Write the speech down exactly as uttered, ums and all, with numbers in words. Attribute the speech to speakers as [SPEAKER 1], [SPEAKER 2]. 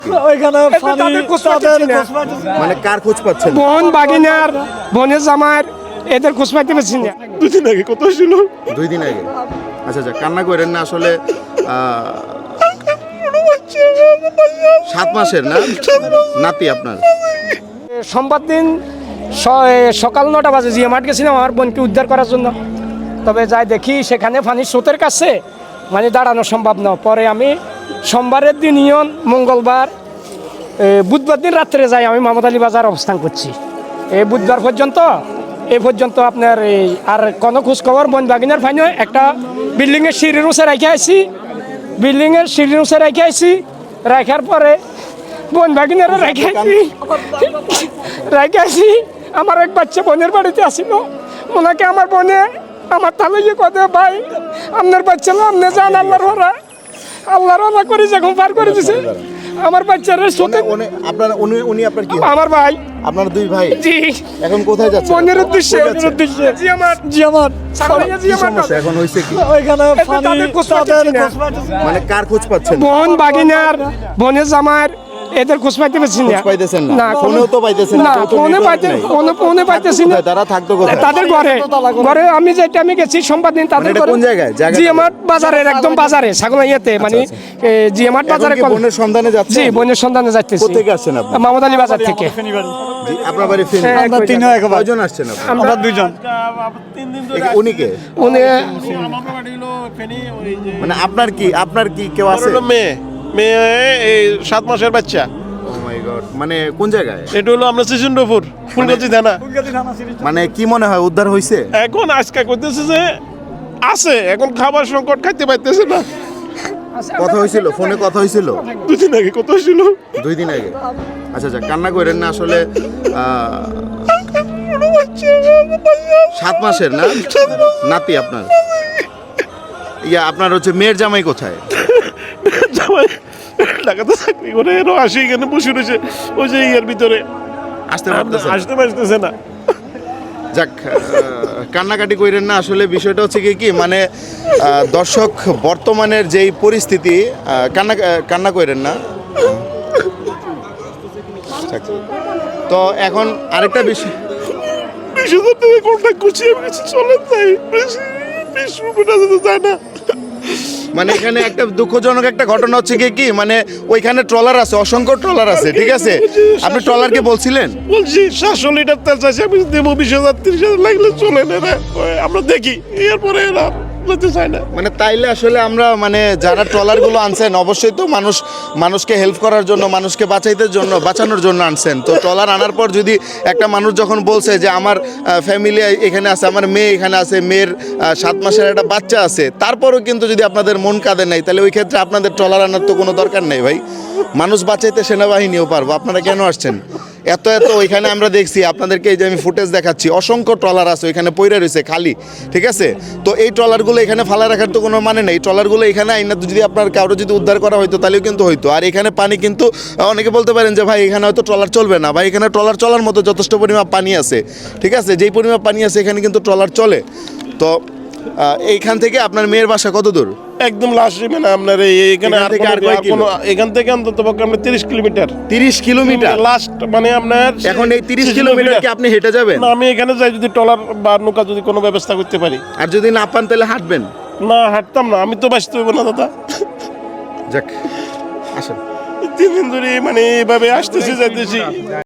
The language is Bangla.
[SPEAKER 1] মানে কার খোঁজ পাচ্ছেন?
[SPEAKER 2] বোন বাগিনার বোনের জামার এদের খোঁজ পাইতে পারছি না।
[SPEAKER 3] দুই দিন আগে কত ছিল?
[SPEAKER 1] দুই দিন আগে। আচ্ছা আচ্ছা, কান্না করেন না আসলে। আহ, সাত মাসের না নাতি আপনার?
[SPEAKER 2] সোমবার দিন স- সকাল নটা বাজে জিয়া মাঠ গেছিলাম আমার বোনকে উদ্ধার করার জন্য। তবে যাই দেখি সেখানে পানির স্রোতের কাছে মানে দাঁড়ানো সম্ভব না। পরে আমি সোমবারের দিন ইয়ন মঙ্গলবার এ, বুধবার দিন রাত্রে যাই আমি মামদ আলী বাজার অবস্থান করছি। এই বুধবার পর্যন্ত এই পর্যন্ত আপনার এই আর কোনো খোঁজখবর বোন বাগিনার ফাইনে একটা বিল্ডিংয়ের সিঁড়ির উঁচে রেখে আসি বিল্ডিংয়ের সিঁড়ির উঁচে রেখে আসি রাখার পরে বোন বাগিনারও রেখে আসি রেখে আসি আমার এক বাচ্চা বোনের বাড়িতে আসিল। ওনাকে আমার বোনে আমার তাহলে ইয়ে কথা ভাই আপনার বাচ্চা না আপনি যান আল্লাহর ওরা আল্লাহর ওরা করে যখন পার করে দিছে আমার বাচ্চারা সোতে
[SPEAKER 1] উনি- আপনার উনি উনি আপনার কি?
[SPEAKER 2] আমার ভাই
[SPEAKER 1] আপনার দুই ভাই
[SPEAKER 2] জি
[SPEAKER 1] এখন কোথায় যাচ্ছে?
[SPEAKER 2] বোনের উদ্দেশ্যে বোনের উদ্দেশ্যে জি আমার জি আমার সাগরিয়া জি
[SPEAKER 1] কি
[SPEAKER 2] আমার
[SPEAKER 1] সমস্যা এখন হয়েছে কি?
[SPEAKER 2] ওইখানে তাদের খোঁজ পাচ্ছি না।
[SPEAKER 1] মানে কার খোঁজ পাচ্ছেন?
[SPEAKER 2] বোন বাগিনার বোনের জামার এদের খোঁজ পাইতে পারছি না।
[SPEAKER 1] খোঁজ পাইতেছেন না?
[SPEAKER 2] না
[SPEAKER 1] ফোনেও তো পাইতেছেন না,
[SPEAKER 2] না
[SPEAKER 1] কেউ তো
[SPEAKER 2] ফোনে
[SPEAKER 1] network
[SPEAKER 2] পাইতে
[SPEAKER 1] নাই।
[SPEAKER 2] ফোনে ফোনে পাইতেছি না।
[SPEAKER 1] কোথায় তারা থাকতো কোথায়?
[SPEAKER 2] তাদের ঘরে ঘরে আমি যেটা আমি গেছি সোমবার দিন তাদের
[SPEAKER 1] মানে এটা
[SPEAKER 2] ঘরে
[SPEAKER 1] কোন জায়গায়? জায়গাটা
[SPEAKER 2] জিএমআট বাজারের একদম বাজারে ছাগলাইয়াতে মানে জিএমআট
[SPEAKER 1] এখন
[SPEAKER 2] বাজারে
[SPEAKER 1] কি বোনের সন্ধানে যাচ্ছে?
[SPEAKER 2] জি বোনের সন্ধানে যাইতেছি।
[SPEAKER 1] কোথেকে আসছেন আপনি?
[SPEAKER 2] মামদ আলী বাজার থেকে।
[SPEAKER 1] জি, আপনার বাড়ি ফেনী?
[SPEAKER 2] হ্যাঁ,
[SPEAKER 1] আমরা
[SPEAKER 2] কয়জন?
[SPEAKER 1] তিন কয়জন আসছেন আপনি?
[SPEAKER 2] আমরা দুইজন
[SPEAKER 1] এ- উনি কে?
[SPEAKER 2] উনি
[SPEAKER 1] মানে আপনার কি আপনার কি কেউ আছে?
[SPEAKER 3] আমার হলো মেয়ে মেয়ে এই সাত মাসের বাচ্চা।
[SPEAKER 1] ও মাই গড, মানে কোন জায়গায়?
[SPEAKER 3] এটা হলো আমরা সিজনপুর ফুলগাছি থানা।
[SPEAKER 1] মানে কি মনে হয় উদ্ধার হয়েছে?
[SPEAKER 3] এখন আজকে করতেছে যে আছে এখন খাবার সংকট খাইতে পাইতেছে না।
[SPEAKER 1] কথা হয়েছিল, ফোনে কথা হয়েছিল
[SPEAKER 3] দুই দিন আগে কত ছিল?
[SPEAKER 1] দুই দিন আগে। আচ্ছা আচ্ছা, কান্না করেন না আসলে। আহ, সাত মাসের না নাতি আপনার? ইয়া আপনার হচ্ছে মেয়ের জামাই কোথায়?
[SPEAKER 3] জামাই ঢাকাতে চাকরি করে এরও আসি এখানে বসে রয়েছে ওই যে ইয়ের ভিতরে
[SPEAKER 1] আসতে পারতেছে না?
[SPEAKER 3] আসতে পারতেছে না।
[SPEAKER 1] যাক, আহ, কান্নাকাটি করেন না আসলে। বিষয়টা হচ্ছে কি কি মানে আহ, দর্শক বর্তমানের যেই পরিস্থিতি, আহ, কান্না কান্না করেন না। যাক, তো এখন আরেকটা বিষয়,
[SPEAKER 3] বিশ হাজার টাকা কন্ট্যাক্ট করছি আমি কিছু চলে তাই বেশি বিশ রুপিটা যেতে চায় না।
[SPEAKER 1] মানে এখানে একটা দুঃখজনক একটা ঘটনা হচ্ছে কি কি মানে ওইখানে ট্রলার আছে, অসংখ্য ট্রলার আছে, ঠিক আছে? আপনি ট্রলারকে বলছিলেন?
[SPEAKER 3] বলছি সাতশো লিটার তেল চাইছি আমি দেবো বিশ হাজার তিরিশ হাজার লাগলে চলে না রে। ওই আমরা দেখি এরপরে এরা যেতে চায় না।
[SPEAKER 1] মানে তাইলে আসলে আমরা মানে যারা ট্রলারগুলো আনছেন অবশ্যই তো মানুষ মানুষকে হেল্প করার জন্য, মানুষকে বাঁচাইতে জন্য বাঁচানোর জন্য আনছেন। তো ট্রলার আনার পর যদি একটা মানুষ যখন বলছে যে আমার ফ্যামিলি এখানে আছে, আমার মেয়ে এখানে আছে, মেয়ের আহ, সাত মাসের একটা বাচ্চা আছে, তারপরও কিন্তু যদি আপনাদের মন কাঁদে নাই, তাহলে ওই ক্ষেত্রে আপনাদের ট্রলার আনার তো কোনো দরকার নেই ভাই। মানুষ বাঁচাইতে সেনাবাহিনীও পারবো, আপনারা কেন আসছেন? এত এত ওইখানে আমরা দেখছি আপনাদেরকে, এই যে আমি ফুটেজ দেখাচ্ছি, অসংখ্য ট্রলার আছে ওইখানে পইরা রয়েছে খালি, ঠিক আছে? তো এই ট্রলারগুলো এখানে ফালা রাখার তো কোনো মানে নেই। ট্রলারগুলো এখানে আইনা যদি আপনার কারো যদি উদ্ধার করা হতো তাহলেও কিন্তু হইতো। আর এখানে পানি কিন্তু অনেকে বলতে পারেন যে ভাই এখানে হয়তো ট্রলার চলবে না, ভাই এখানে ট্রলার চলার মতো যথেষ্ট পরিমাণ পানি আছে, ঠিক আছে? যেই পরিমাণ পানি আছে এখানে কিন্তু ট্রলার চলে। তো আহ, এইখান থেকে আপনার মেয়ের বাসা কত দূর?
[SPEAKER 3] একদম লাস্ট মানে আপনার এই এখানে
[SPEAKER 1] এখান
[SPEAKER 3] আর
[SPEAKER 1] থেকে আর
[SPEAKER 3] কোনো-
[SPEAKER 1] কয়
[SPEAKER 3] আর কোনো- এখান থেকে অন্তত পক্ষে আমরা তিরিশ কিলোমিটার
[SPEAKER 1] তিরিশ কিলোমিটার।
[SPEAKER 3] লাস্ট মানে আপনার
[SPEAKER 1] এখন এই তিরিশ কিলোমিটার কি আপনি হেঁটে যাবেন?
[SPEAKER 3] না আমি এখানে যাই যদি ট্রলার বা নৌকা যদি কোনো ব্যবস্থা করতে পারি।
[SPEAKER 1] আর যদি না পান তাহলে হাঁটবেন?
[SPEAKER 3] না হাঁটতাম না, আমি তো বাঁচতে হইব না দাদা।
[SPEAKER 1] যাক, আসেন।
[SPEAKER 3] তিন দিন ধরে মানে এইভাবে আসতেছি যাইতেছি।